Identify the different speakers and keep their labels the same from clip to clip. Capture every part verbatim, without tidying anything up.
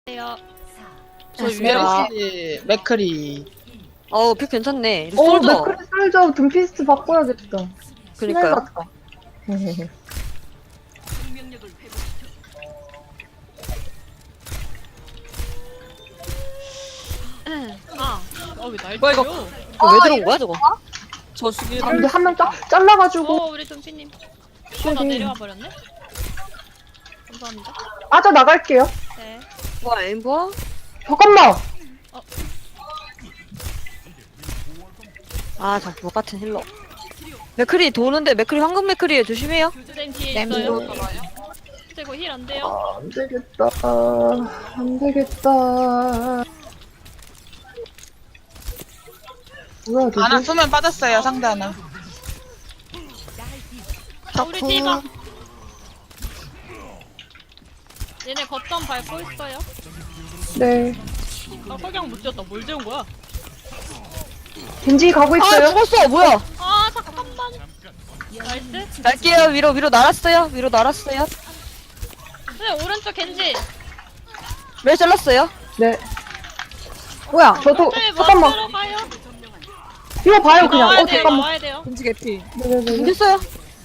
Speaker 1: 요
Speaker 2: 저
Speaker 3: 맞습니다.
Speaker 2: 메르시 맥크리.
Speaker 3: 어우 픽 괜찮네.
Speaker 4: 어,
Speaker 3: 솔져.
Speaker 4: 맥크리 솔저 둠피스트 바꿔야겠다.
Speaker 3: 그니까요.
Speaker 4: 같다.
Speaker 1: 아, 어왜 날
Speaker 2: 뭐야, 이거?
Speaker 1: 때려?
Speaker 3: 어, 왜 들어온 거야 저거?
Speaker 2: 저 죽일.
Speaker 4: 아, 근데 한 명 잘라가지고
Speaker 1: 어 우리 둠피님. 어, 나 내려와 버렸네. 감사합니다.
Speaker 4: 빠져 나갈게요.
Speaker 1: 네.
Speaker 3: 뭐야 엠버?
Speaker 4: 잠깐만.
Speaker 3: 아저 부엌 같은 힐러. 맥크리 도는데 맥크리 황금 맥크리에 조심해요.
Speaker 1: 쌤 뒤에
Speaker 4: 램.
Speaker 1: 있어요. 그리고 힐 안 돼요.
Speaker 4: 아, 안 되겠다. 안 되겠다. 뭐야, 되지?
Speaker 2: 하나 수면 빠졌어요, 상대 하나.
Speaker 1: 아, 우리 뒤가. 얘네 거점 밟고 있어요.
Speaker 4: 네.
Speaker 1: 아 석양 못 지었다. 뭘 재운 거야?
Speaker 4: 겐지 가고
Speaker 3: 아
Speaker 4: 있어요.
Speaker 3: 죽었어 뭐야?
Speaker 1: 아 잠깐만. 나이스.
Speaker 3: 날게요 위로 위로 날았어요. 위로 날았어요.
Speaker 1: 네 오른쪽 겐지.
Speaker 3: 왜 잘랐어요?
Speaker 4: 네. 뭐야, 저도,
Speaker 1: 네,
Speaker 4: 잠깐만.
Speaker 1: 먼저 가요.
Speaker 4: 이거 봐요, 그냥.
Speaker 1: 나와야
Speaker 4: 어,
Speaker 1: 돼요.
Speaker 4: 잠깐만.
Speaker 1: 나와야 돼요.
Speaker 2: 금지 개피.
Speaker 4: 네네네.
Speaker 3: 죽겠어요.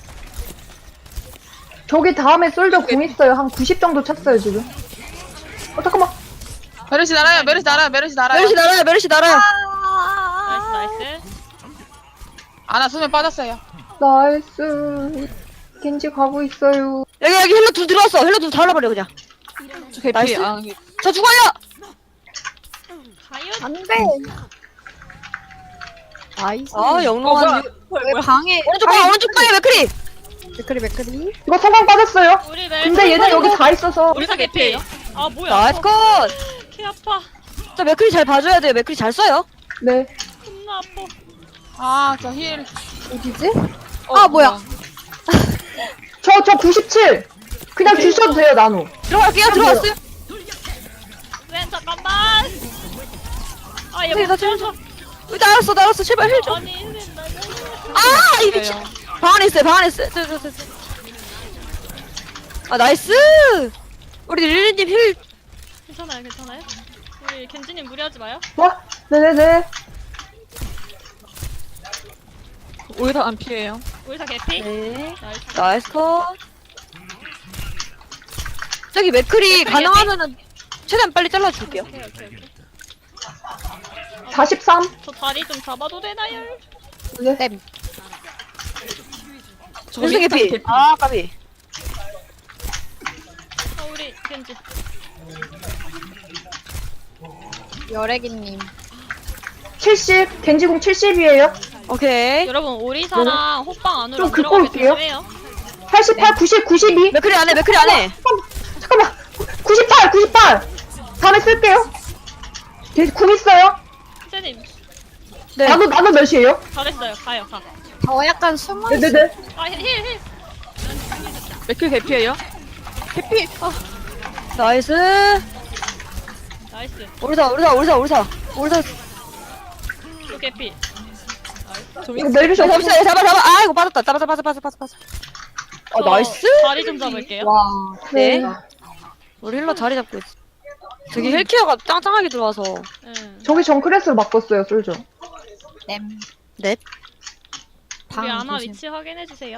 Speaker 4: 저기 다음에 솔저 공 있어요. 한 구십 정도 찼어요, 지금. 어, 잠깐만.
Speaker 2: 메르시 날아요, 메르시 날아요, 메르시 날아요.
Speaker 3: 메르시 날아요 메르시 날아요.
Speaker 1: 나이스 나이스.
Speaker 2: 하나 수면 빠졌어요.
Speaker 4: 나이스. 겐지 가고 있어요.
Speaker 3: 여기 여기 힐러 둘 들어왔어. 힐러 둘 잘라버려 그냥.
Speaker 2: 저 개피.
Speaker 3: 나이스.
Speaker 2: 아,
Speaker 3: 저 죽어요.
Speaker 1: 가요.
Speaker 5: 안 돼. 나이스.
Speaker 3: 아
Speaker 2: 어,
Speaker 3: 영롱한.
Speaker 2: 뭐야?
Speaker 5: 왜 방에
Speaker 3: 오른쪽 방 오른쪽 방에 맥크리.
Speaker 5: 맥크리 맥크리?
Speaker 4: 이거 성공 빠졌어요.
Speaker 1: 우리 멜.
Speaker 4: 근데 얘는 여기 다 있어서.
Speaker 1: 우리 사 개피예요. 아 뭐야?
Speaker 3: 나이스 컷.
Speaker 1: 키 아파.
Speaker 3: 자 맥크리 잘 봐줘야 돼요. 맥크리 잘 써요.
Speaker 4: 네.
Speaker 1: 겁나 아파.
Speaker 2: 아, 저 힐.
Speaker 5: 어디지?
Speaker 2: 어,
Speaker 5: 아, 뭐야.
Speaker 4: 저, 저 구십칠. 그냥 주셔도 돼요, 나노.
Speaker 3: 들어갈게요. 들어왔어요.
Speaker 1: 쌤 잠깐만. 아얘
Speaker 3: 네, 나
Speaker 1: 못 지어서.
Speaker 3: 어, 날았어 날았어. 제발 힐 좀.
Speaker 1: 아니 쌤 나.
Speaker 3: 아, 이 미친. 방 안에 있어요, 방 안에 있어요. 저, 저, 저, 저. 아, 나이스! 우리 릴리님 힐.
Speaker 1: 괜찮아요 괜찮아요. 우리 겐지님 무리하지 마요.
Speaker 4: 와, 네네네.
Speaker 2: 오히려 안 피해요.
Speaker 1: 우리 사 개피.
Speaker 3: 네.
Speaker 1: 나이스.
Speaker 3: 나이스 컷. 저기 맥클이 가능하면은 최대한 빨리 잘라줄게요.
Speaker 1: 오케이 오케이 오케이.
Speaker 4: 사십삼.
Speaker 1: 저 다리 좀 잡아도 되나요?
Speaker 4: 네.
Speaker 5: 땜.
Speaker 2: 저거
Speaker 3: 윤승
Speaker 2: 윈스턴
Speaker 3: 개피. 아, 까비.
Speaker 1: 아 우리 겐지.
Speaker 5: 여래기님.
Speaker 4: 칠십. 겐지공 칠십이에요.
Speaker 3: 오케이.
Speaker 1: 여러분 오리사랑 호빵 안으로
Speaker 4: 좀
Speaker 1: 안
Speaker 4: 긁고
Speaker 1: 들어가게
Speaker 4: 올게요.
Speaker 1: 조심해요.
Speaker 4: 팔십팔, 구십, 구십이.
Speaker 3: 맥클이 안 해, 맥클이 안 해.
Speaker 4: 잠깐만. 구십팔, 구십팔. 다음에 쓸게요. 겐지 궁 있어요.
Speaker 1: 쌤님
Speaker 3: 네.
Speaker 4: 나노, 나노 몇이에요?
Speaker 1: 잘했어요. 가요 가.
Speaker 5: 저 약간 숨어 있어.
Speaker 4: 네네네.
Speaker 1: 아힐 힐.
Speaker 2: 맥클 개피예요? 개피. 아,
Speaker 3: 나이스.
Speaker 1: 나이스.
Speaker 3: 오리사, 오리사, 오리사, 오리사. 오리사.
Speaker 1: 또 개피.
Speaker 2: 저
Speaker 4: 이거
Speaker 2: 윈스턴.
Speaker 4: 멜비시
Speaker 3: 잡아,
Speaker 4: 없어.
Speaker 3: 잡아, 잡아, 잡아. 아, 이거 빠졌다. 잡아, 잡아, 잡아, 잡아, 잡아. 아,
Speaker 1: 저
Speaker 3: 나이스.
Speaker 1: 다리 좀 잡을게요.
Speaker 5: 와.
Speaker 3: 네. 우리 힐러 자리 잡고 있어. 저기 헬케어가 짱짱하게 들어와서.
Speaker 1: 응.
Speaker 4: 저기 정크레스로 바꿨어요, 솔저.
Speaker 5: 땜.
Speaker 3: 넵.
Speaker 1: 우리
Speaker 5: 방
Speaker 1: 아나
Speaker 5: 조심.
Speaker 1: 위치 확인해 주세요.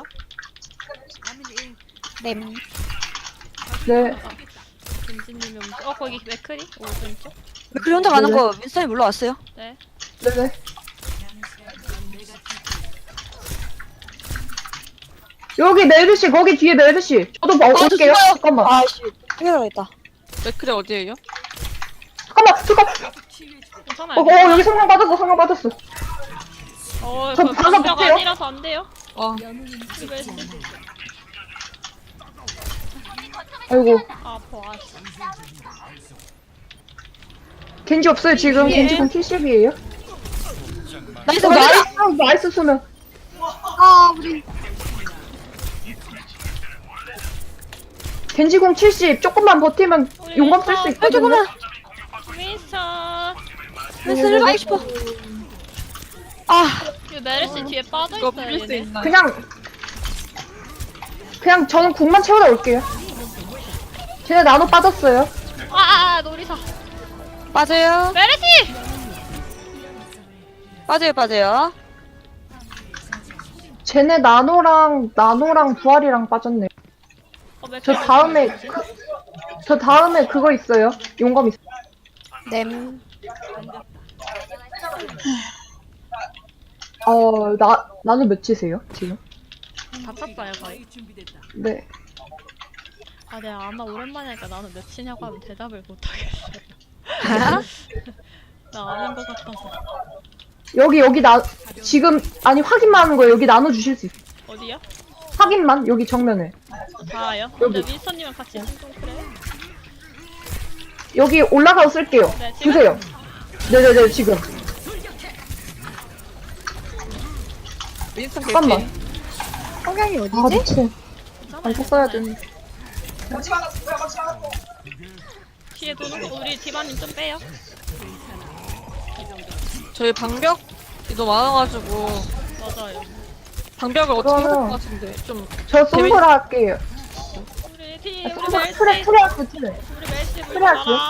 Speaker 5: 땜.
Speaker 4: 네.
Speaker 1: 겐지님이 어 거기 맥크리 오른쪽.
Speaker 3: 맥클이 혼자 가는
Speaker 4: 네네.
Speaker 3: 거 윈스턴이 물러왔어요.
Speaker 1: 네.
Speaker 4: 네네. 여기 멜비시, 거기 뒤에 멜비시. 저도 봐,
Speaker 3: 아, 저
Speaker 4: 올게요.
Speaker 3: 죽어요.
Speaker 4: 잠깐만.
Speaker 3: 아이씨. 해결하겠다.
Speaker 2: 맥클이 어디에요?
Speaker 4: 잠깐만, 잠깐.
Speaker 1: 괜찮아요.
Speaker 4: 어, 어, 여기 성공 받았어, 성공 받았어.
Speaker 1: 어,
Speaker 4: 저
Speaker 1: 그
Speaker 4: 방금
Speaker 1: 방벽
Speaker 4: 볼게요.
Speaker 1: 아니라서 안 돼요.
Speaker 2: 어.
Speaker 1: 이거였어.
Speaker 4: 아이고.
Speaker 1: 아, 아파. 아, 씨.
Speaker 4: 겐지 없어요, 지금. 겐지공 칠십이에요.
Speaker 3: 나이스,
Speaker 4: 어,
Speaker 3: 나이스.
Speaker 4: 나이스, 나이스 수면.
Speaker 5: 아 우리
Speaker 4: 겐지공 칠십. 조금만 버티면
Speaker 1: 우리
Speaker 4: 용감 쓸 수
Speaker 1: 윈스턴.
Speaker 4: 있거든요.
Speaker 3: 조금만.
Speaker 1: 윈스턴.
Speaker 3: 윈스턴을 가고 싶어. 아.
Speaker 1: 이 메르시 뒤에 빠져
Speaker 2: 이거
Speaker 1: 있어요.
Speaker 2: 빌릴 수
Speaker 1: 얘네.
Speaker 2: 있나?
Speaker 4: 그냥 그냥 저는 궁만 채우다 올게요. 쟤네 나노 빠졌어요.
Speaker 1: 아, 놀이사.
Speaker 3: 빠져요.
Speaker 1: 메르시!
Speaker 3: 빠져요, 빠져요.
Speaker 4: 쟤네 나노랑 나노랑 부활이랑 빠졌네.
Speaker 1: 어, 맥
Speaker 4: 저 다음에 그, 저 다음에 그거 있어요. 용검 있어.
Speaker 5: 냄.
Speaker 4: 어, 나 나노 몇이세요 지금?
Speaker 1: 다 찼어요, 거의.
Speaker 4: 네.
Speaker 1: 아, 내가 아마 오랜만에 하니까 나는 몇이냐고 하면 대답을 못하겠어요. 나 아는 것 같아서.
Speaker 4: 여기 여기 나 지금 아니 확인만 하는 거예요. 여기 나눠 주실 수 있어.
Speaker 1: 어디요?
Speaker 4: 확인만 여기 정면에.
Speaker 1: 다요?
Speaker 4: 여기.
Speaker 1: 근데 윈스턴님은 같이 좀 그래.
Speaker 4: 여기 올라가서 쓸게요.
Speaker 1: 네, 지금?
Speaker 4: 주세요. 네네네 지금.
Speaker 2: 윈스턴
Speaker 4: 잠깐만.
Speaker 2: 개피.
Speaker 5: 성향이
Speaker 4: 아
Speaker 5: 어디지?
Speaker 4: 미친. 안 썼어야 되는데.
Speaker 1: 뒤에 도는 거 우리 디바님 좀 빼요.
Speaker 2: 저희 방벽이 너무 많아가지고
Speaker 1: 맞아요.
Speaker 2: 방벽을 어떻게 해야 될
Speaker 4: 그러면-
Speaker 2: 것 같은데 좀
Speaker 4: 저 솜브라 할게요.
Speaker 1: 우리 디
Speaker 4: 아,
Speaker 1: 우리
Speaker 4: 솜브라
Speaker 1: 멜시
Speaker 4: 프레 프레 할게요 프레.
Speaker 1: 우리 멜시
Speaker 4: 그래,
Speaker 1: 물봐라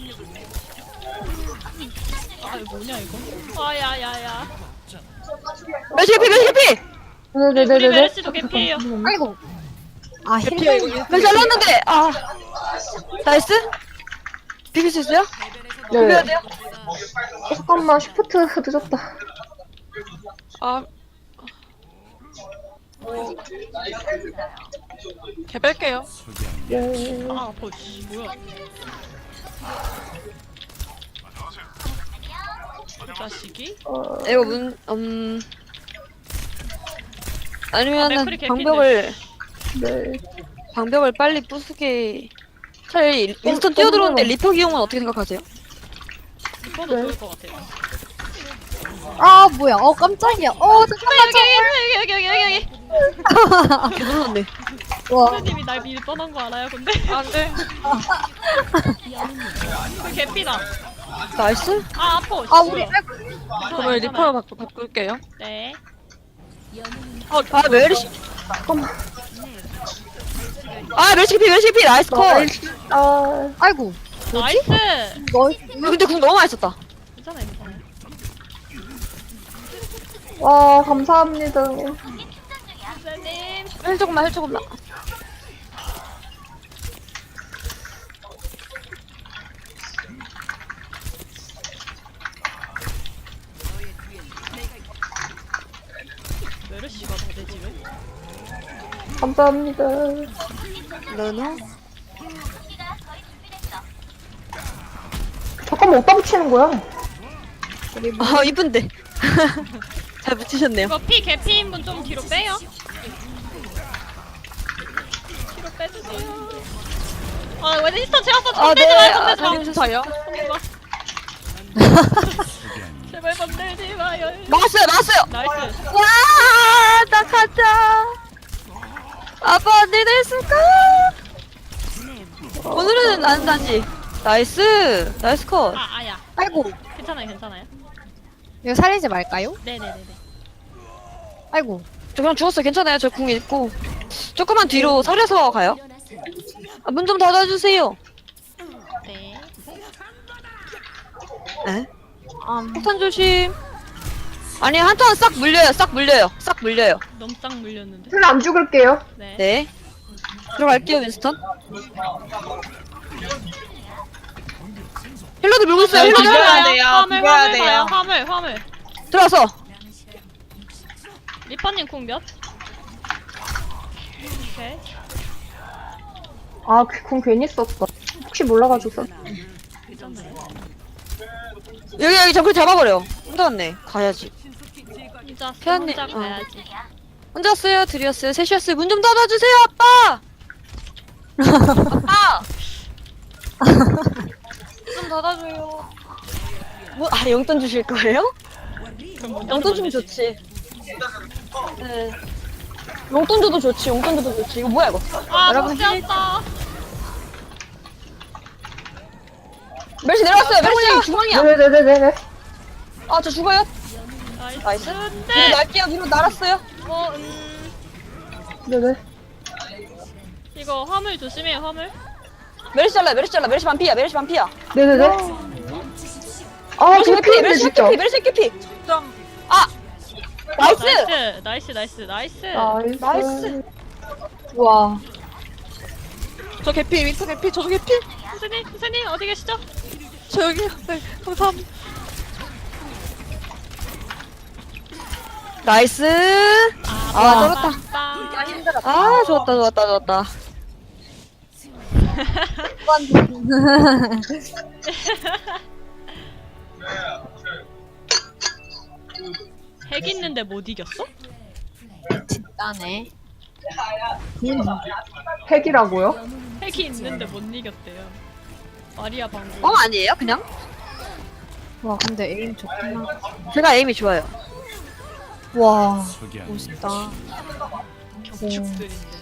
Speaker 1: 아 이거 뭐냐 이거? 아야야야.
Speaker 3: 멸치 개피, 멸치 개피!
Speaker 1: 우리 우리
Speaker 4: 네네네네.
Speaker 1: 멜시도 개피예요.
Speaker 5: 아이고. 아,
Speaker 2: 개피야
Speaker 5: 힐.
Speaker 2: 이거.
Speaker 3: 멸치 잘랐는데! 아. 나이스? 비빌 수 있어요?
Speaker 4: 네.
Speaker 3: 비벼야 돼요?
Speaker 4: 어, 잠깐만 시프트 늦었다.
Speaker 2: 아. 개 뺄게요.
Speaker 4: 예.
Speaker 1: 아 보시 뭐야? 이 자식이?
Speaker 4: 어,
Speaker 3: 이거 문, 음. 아니면은
Speaker 1: 맥클이 개피인데.
Speaker 3: 방벽을,
Speaker 4: 네.
Speaker 3: 방벽을 빨리 부수게. 차라리 윈스턴
Speaker 4: 어,
Speaker 3: 뛰어들어오는데
Speaker 4: 어,
Speaker 3: 리퍼 기용은 어떻게 생각하세요?
Speaker 1: 이거도
Speaker 4: 네.
Speaker 1: 좋을 것 같아요.
Speaker 5: 아, 뭐야. 어, 깜짝이야. 어, 잠깐만.
Speaker 1: 여기 여기 여기 여기 여기.
Speaker 3: 개 놀랐네.
Speaker 5: 와.
Speaker 1: 선생님이 날 미리 떠난 거 알아요? 근데
Speaker 2: 안돼.
Speaker 1: 그 개피다.
Speaker 3: 나이스?
Speaker 1: 아 아파.
Speaker 5: 아, 우리,
Speaker 1: 뭐야.
Speaker 5: 아이고.
Speaker 1: 괜찮아요,
Speaker 2: 그러면
Speaker 1: 괜찮아요.
Speaker 2: 리퍼로 바꾸, 바꿀게요.
Speaker 1: 네.
Speaker 3: 어, 아, 멸치.
Speaker 4: 잠깐만.
Speaker 3: 아, 멸치 개피, 멸치 개피! 나이스 컷!
Speaker 4: 아,
Speaker 5: 아이고.
Speaker 1: 나이스.
Speaker 5: 너,
Speaker 3: 아, 근데 궁 너무 많이 썼다.
Speaker 1: 괜찮아요, 괜찮아요.
Speaker 4: 와 감사합니다.
Speaker 1: 선생님.
Speaker 3: 헬 조금만, 헬 조금만.
Speaker 1: 메르시가 나내 집에?
Speaker 4: 감사합니다.
Speaker 3: 너너?
Speaker 4: 잠깐만 어디다 붙이는 거야?
Speaker 3: 아, 이쁜데. 잘 붙이셨네요.
Speaker 1: 이거 피 개피인 분 좀 뒤로 빼요. 뒤로 빼주세요. 아 웨드스턴 제왔어.
Speaker 3: 아,
Speaker 1: 건들지
Speaker 3: 네.
Speaker 1: 마요,
Speaker 3: 아,
Speaker 1: 건들지 마.
Speaker 2: 살려주세요.
Speaker 1: 건들지 마. 제발 건들지 마요.
Speaker 3: 막았어요, 막았어요!
Speaker 1: 나이스.
Speaker 3: 와, 나 가자. 아빠 언니 됐을까? 오늘은 안 다지. 나이스, 나이스 컷.
Speaker 1: 아 아야.
Speaker 5: 아이고.
Speaker 1: 괜찮아요, 괜찮아요.
Speaker 5: 이거 살리지 말까요?
Speaker 1: 네네네네.
Speaker 5: 아이고.
Speaker 3: 저 그냥 죽었어요. 괜찮아요. 저 궁 있고. 조금만 뒤로 서려서 가요. 아, 문 좀 닫아주세요.
Speaker 1: 네.
Speaker 3: 에?
Speaker 5: 음,
Speaker 3: 폭탄 조심. 아니, 한 턴 싹 물려요. 싹 물려요. 싹 물려요.
Speaker 1: 넘짱 물렸는데.
Speaker 4: 술 안 죽을게요.
Speaker 1: 네.
Speaker 3: 네. 들어갈게요, 윈스턴. 힐러도 물고 있어요. 힐러도
Speaker 1: 화물
Speaker 3: 물고
Speaker 1: 가요.
Speaker 2: 돼요,
Speaker 1: 화물
Speaker 2: 비벼야
Speaker 1: 화물
Speaker 2: 돼요.
Speaker 1: 가요. 화물 화물.
Speaker 3: 들어와서.
Speaker 1: 리퍼님 궁 몇? 오케이.
Speaker 4: 아궁 괜히 썼다. 혹시 몰라가지고 썼.
Speaker 1: 괜찮나요?
Speaker 3: 여기, 여기 정글 잡아버려. 혼자 왔네. 가야지.
Speaker 1: 혼자
Speaker 3: 태연님,
Speaker 1: 혼자
Speaker 3: 어.
Speaker 1: 가야지.
Speaker 3: 혼자 왔어요. 둘이었어요. 셋이었어요. 문 좀 닫아주세요, 아빠! 아빠! 좀 닫아줘요. 뭐, 아, 용돈 주실 거예요?
Speaker 1: 그럼 먼저
Speaker 3: 용돈 주면
Speaker 1: 되지.
Speaker 3: 좋지. 네. 용돈 줘도 좋지. 용돈 줘도 좋지. 이거 뭐야, 이거?
Speaker 1: 아
Speaker 3: 여러분,
Speaker 1: 못 지었다.
Speaker 3: 멸시 내려왔어요. 멸시 중앙이야.
Speaker 4: 네네네네네.
Speaker 3: 아, 저 죽어요.
Speaker 1: 나이스.
Speaker 3: 나이스. 위로
Speaker 1: 네.
Speaker 3: 날게요. 위로 날았어요.
Speaker 1: 어 음.
Speaker 4: 네네.
Speaker 1: 이거 화물 조심해요 화물.
Speaker 3: 메르시 잘라 메르시 잘라 메르시 반피야 메르시 반피야.
Speaker 4: 네네네. 아,
Speaker 3: 메르시
Speaker 4: 저
Speaker 3: 개피
Speaker 4: 피인데
Speaker 3: 메르시
Speaker 4: 진짜.
Speaker 3: 개피 메르시 개피.
Speaker 2: 점.
Speaker 3: 나이스.
Speaker 1: 나이스 나이스 나이스 나이스.
Speaker 4: 나이스.
Speaker 3: 나이스.
Speaker 5: 와.
Speaker 2: 저 개피, 윈터 개피, 저도 개피.
Speaker 1: 선생님 선생님 어디 계시죠?
Speaker 2: 저 여기. 네, 감사합니다.
Speaker 3: 나이스. 아 쩔었다. 아 좋았다 좋았다 좋았다.
Speaker 1: 핵 있는데 못 이겼어?
Speaker 5: 나네.
Speaker 4: 핵이라고요?
Speaker 1: 핵이 있는데 못 이겼대요. 마리아 방금.
Speaker 3: 뻥 아니에요 그냥?
Speaker 5: 와 근데 에임 좋구나.
Speaker 3: 제가 에임이 좋아요.
Speaker 5: 와
Speaker 6: 저기 아니
Speaker 5: 멋있다.
Speaker 1: 격축들인데.